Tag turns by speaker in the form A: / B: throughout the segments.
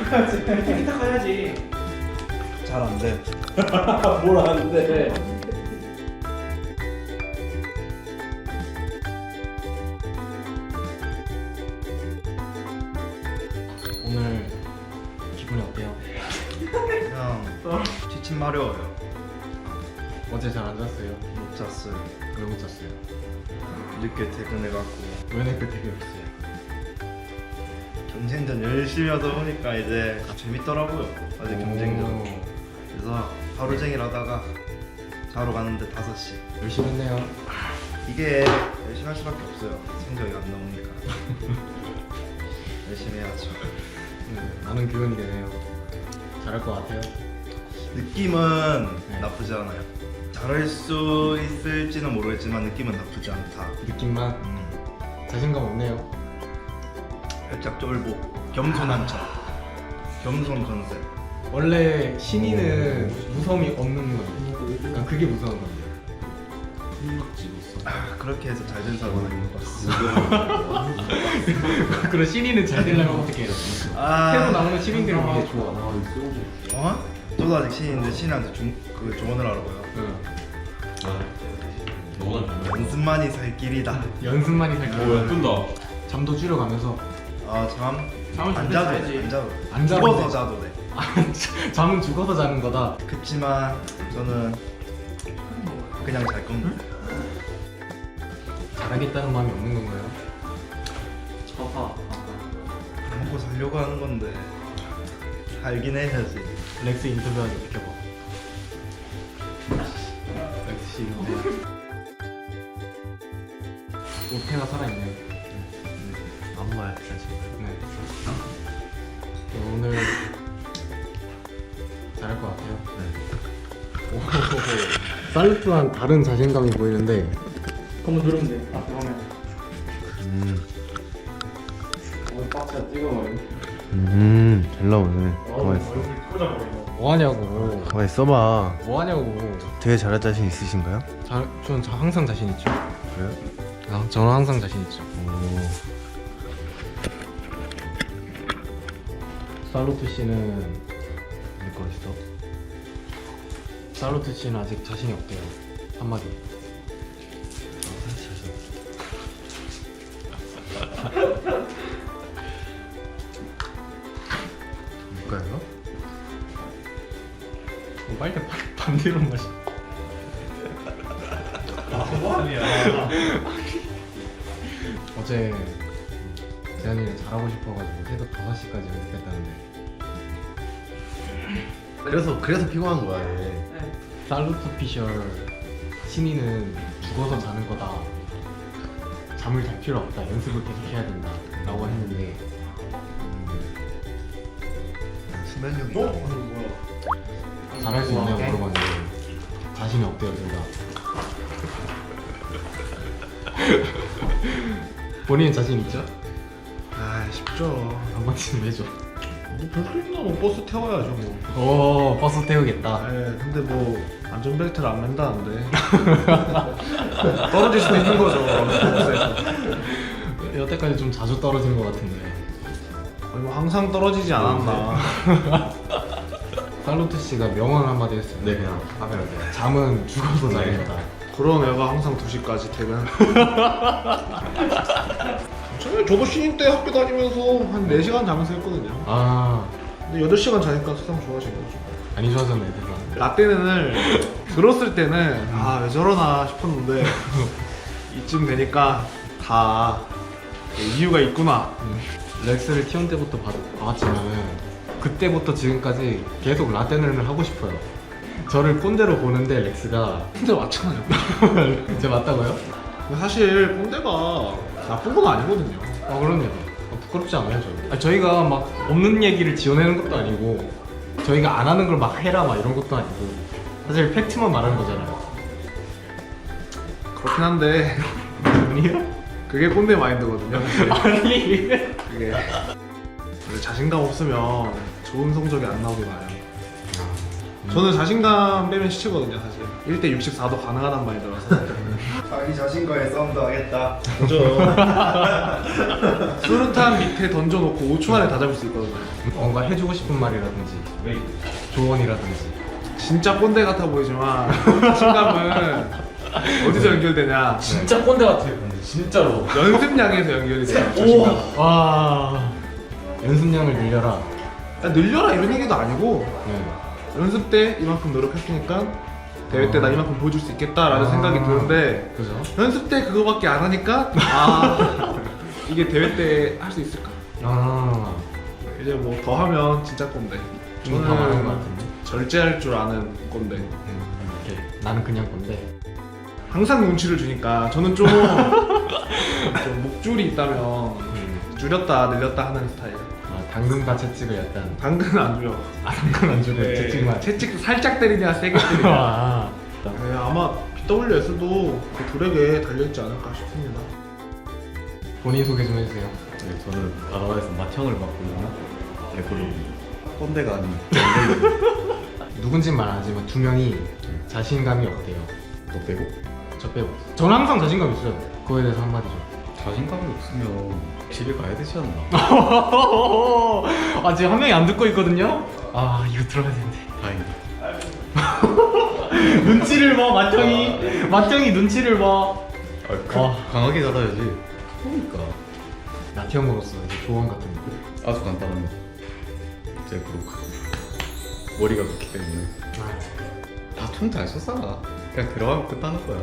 A: 티키타카 해야지.
B: 잘 안 돼.
A: 뭘 하는데?
C: 오늘 기분이 어때요?
B: 그냥 지침 마려워요.
C: 어제 잘 안 잤어요?
B: 못 잤어요.
C: 왜 못 잤어요?
B: 늦게 퇴근해갖고
C: 왜 내그 되게 없어요?
B: 경쟁전 열심히 하다 보니까 이제 재밌더라고요. 아직 경쟁전. 그래서 하루 종일 하다가 자러 가는데 5시.
C: 열심히 했네요.
B: 이게 열심히 할 수밖에 없어요. 성적이 안 나오니까. 열심히 해야죠.
C: 많은 교훈이 되네요. 잘할 것 같아요.
B: 느낌은
C: 네.
B: 나쁘지 않아요. 잘할 수 있을지는 모르겠지만 느낌은 나쁘지 않다.
C: 느낌만 자신감 없네요.
B: 살짝 쫄보, 겸손한 척, 겸손 컨셉.
C: 원래 신인은 무서움이 없는 건데, 그러니까 그게 무서운 건데.
B: 그렇게 해서 잘 된 사람은 못 봤어.
C: 그런 신인은 잘 되려면 어떻게 해요? 새로 나오는 신인들은 이게 좋아.
B: 어? 저도 아직 신인인데 신인한테 그 조언을 하라고요. 연습만이 살 길이다.
C: 연습만이 살 거예요.
A: 끈다.
C: 잠도 줄여가면서
B: 아 참.
A: 잠을
B: 안
A: 좀
B: 자도
A: 자야지.
B: 돼. 안 자도 돼.
C: 안 자도
B: 죽어서
C: 돼.
B: 자도 돼.
C: 잠은 죽어서 자는 거다.
B: 그치만 저는 그냥 잘 겁니다.
C: 잘하겠다는 마음이 없는 건가요?
A: 아파.
B: 먹고 살려고 하는 건데 살긴 해야지.
C: 렉스 인터뷰 하기 비켜봐. 렉스 씨 인터뷰. 오태가 살아있네.
B: 아무 말 사실.
C: 네. 오늘 잘할 것 같아요.
B: 네.
C: 오, 살루트랑 다른 자신감이 보이는데
A: 한번 누르면 돼. 앞에 화면. 오늘 박스가 찍어버리네.
D: 잘 나오네. 가만히 있어.
A: 얼굴이 꽂아버리고.
C: 뭐하냐고.
D: 가만히 있어봐.
C: 뭐하냐고.
D: 되게 잘할 자신 있으신가요?
C: 저는 항상 자신 있죠.
D: 그래요?
C: 저는 항상 자신 있죠.
D: 오.
C: 살루트 씨는
D: 믿고 있어?
C: 살루트 씨는 아직 자신이 없대요. 한마디.
D: 뭘까요?
C: 빨대 반대로 마시.
A: 뭐하냐.
C: 어제 재현이는 잘하고 싶어가지고 새벽 5시까지 연습했다는데
D: 그래서 피곤한 거야 얘.
C: 살루트 피셜 신인은 죽어서 자는 거다. 잠을 잘 필요 없다. 연습을 계속 해야 된다. 라고 했는데
B: 수면력이
A: 너?
B: 있다.
A: 뭐야?
C: 잘할 수 있냐고 물어봤는데 자신이 없대요 둘 다. 본인은 자신 있죠?
E: 아 쉽죠.
C: 한 번쯤 해줘.
E: 뭐별수 있나 뭐 버스 태워야죠 뭐.
C: 오 버스 태우겠다.
E: 네, 근데 뭐 안전벨트를 안 맨다는데 떨어질 수도 있는 거죠. 버스에서.
C: 여태까지 좀 자주 떨어진 것 같은데.
E: 거의 뭐 항상 떨어지지 않았나.
C: 살루트 씨가 명언 한마디 했어요.
D: 네 그냥 카메라 돼.
C: 잠은 죽어서 자는 거다.
E: 그런 애가 항상 2시까지 퇴근. 저도 신인 때 학교 다니면서 한 4시간 자면서 했거든요.
C: 아
E: 근데 8시간 자니까 세상 좋아진 거죠.
C: 많이 좋아졌네 세상.
E: 라떼는을 들었을 때는 아 왜 저러나 싶었는데 이쯤 되니까 다 이유가 있구나.
C: 렉스를 T1 때부터 봐왔지만은 그때부터 지금까지 계속 라떼는을 하고 싶어요. 저를 꼰대로 보는데 렉스가
E: 근데 맞잖아요.
C: 제 맞다고요?
E: 근데 사실 꼰대가 나쁜 건 아니거든요.
C: 그럼요. 부끄럽지 않아요 저희. 저희가 막 없는 얘기를 지어내는 것도 아니고 저희가 안 하는 걸 막 해라 막 이런 것도 아니고 사실 팩트만 말하는 거잖아요.
E: 그렇긴 한데
C: 아니에요?
E: 그게 꼰대 마인드거든요. 사실.
C: 아니
E: 그게 원래 자신감 없으면 좋은 성적이 안 나오게 봐요. 저는 자신감 빼면 시치거든요 사실. 1대 64도 가능하단 마인드라서
B: 자기 자신과의 싸움도 하겠다. 그죠?
E: 수류탄 밑에 던져놓고 5초 안에 다 잡을 수 있거든요.
C: 뭔가 해주고 싶은 말이라든지 조언이라든지.
E: 진짜 꼰대 같아 보이지만 자신감은 어디서 연결되냐?
C: 진짜 꼰대 같아요 근데 진짜로.
E: 연습량에서 연결이 돼요. 자신감.
C: 와 연습량을 늘려라.
E: 늘려라 이런 얘기도 아니고
C: 네.
E: 연습 때 이만큼 노력했으니까 대회 때 나 이만큼 보여줄 수 있겠다라는 생각이 드는데
C: 그죠?
E: 연습 때 그거밖에 안 하니까 아 이게 대회 때 할 수 있을까?
C: 아
E: 이제 뭐 더 하면 진짜 꼰대.
C: 좀 더 많은 것 같은데.
E: 절제할 줄 아는 꼰대.
C: 이렇게 나는 그냥 꼰대.
E: 항상 눈치를 주니까 저는 좀 목줄이 있다면 줄였다 늘렸다 하는 스타일.
C: 아 당근과 채찍을 약간.
E: 당근은 안 줄여.
C: 아 당근 안 주고
E: 네,
C: 채찍만.
E: 채찍 살짝 때리냐 세게 때리냐.
C: 아.
E: 네, 아마 BWS도 그 둘에게 달려있지 않을까 싶습니다.
C: 본인 소개 좀 해주세요.
D: 네, 저는 바다에서 맏형을 맡고 있는 레코르비. 꼰대가 아닌
C: 누군진 말 안 하지만 두 명이 자신감이 어때요?
D: 너 빼고?
C: 저 빼고. 저는 항상 자신감 있어요. 그거에 대해서 한마디 좀.
D: 자신감이 없으면 집에 가야 되지 않나?
C: 아 지금 한 명이 안 듣고 있거든요. 아 이거 들어야 되는데.
D: 다행이다.
C: 눈치를 봐 맏형이 눈치를 봐.
D: 강하게 자라야지. 그러니까
C: 맏형으로서 이제 조언 같은 거.
D: 아주 간단합니다. 제 브로커 머리가 좋기 때문에 다 총 잘 쏘잖아. 그냥 들어가면 끝나는 거야.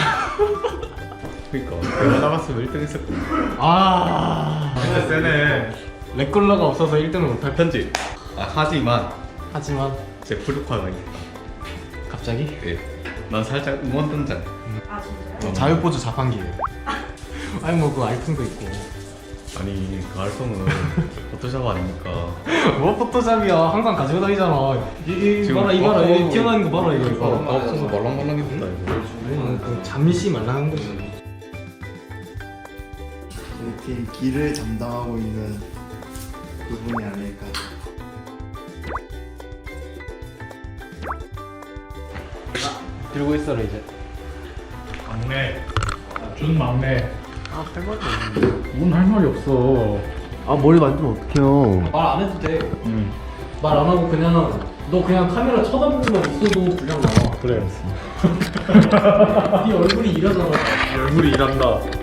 D: 그러니까 내가 나갔으면 1등 했을 거야.
C: 아
B: 세네.
C: 렉걸러가 없어서 1등을 못할
D: 편집. 하지만
C: 하지만
D: 제 브로커가 있다.
C: 갑자기
D: 예. 난 살짝 응원 등장.
F: 아 진짜요?
C: 자유포즈 자판기예요. 아니 뭐 그 아이폰도 있고.
D: 아니 그 알통은 포토샵 아닙니까?
C: 뭐 포토샵이야. 항상 가지고 다니잖아. 이 봐라 이봐라 이 튀어나오는 거 봐라 이거.
D: 없어서 말랑말랑해졌다 이거.
C: 그 잠시 말랑한 거지.
G: 이렇게 길을 담당하고 있는 그분이 아닐까.
C: 들고 있어라 이제.
A: 막내. 준 막내.
C: 아할 말이 없는데.
A: 뭔 할 말이 없어.
D: 아 머리 만지면 어떡해요?
C: 말 안 해도 돼. 말 안 하고 그냥 너 그냥 카메라 쳐다보고만 있어도 분량 나와.
A: 그래.
C: 네 얼굴이 이러잖아.
E: 얼굴이 일한다.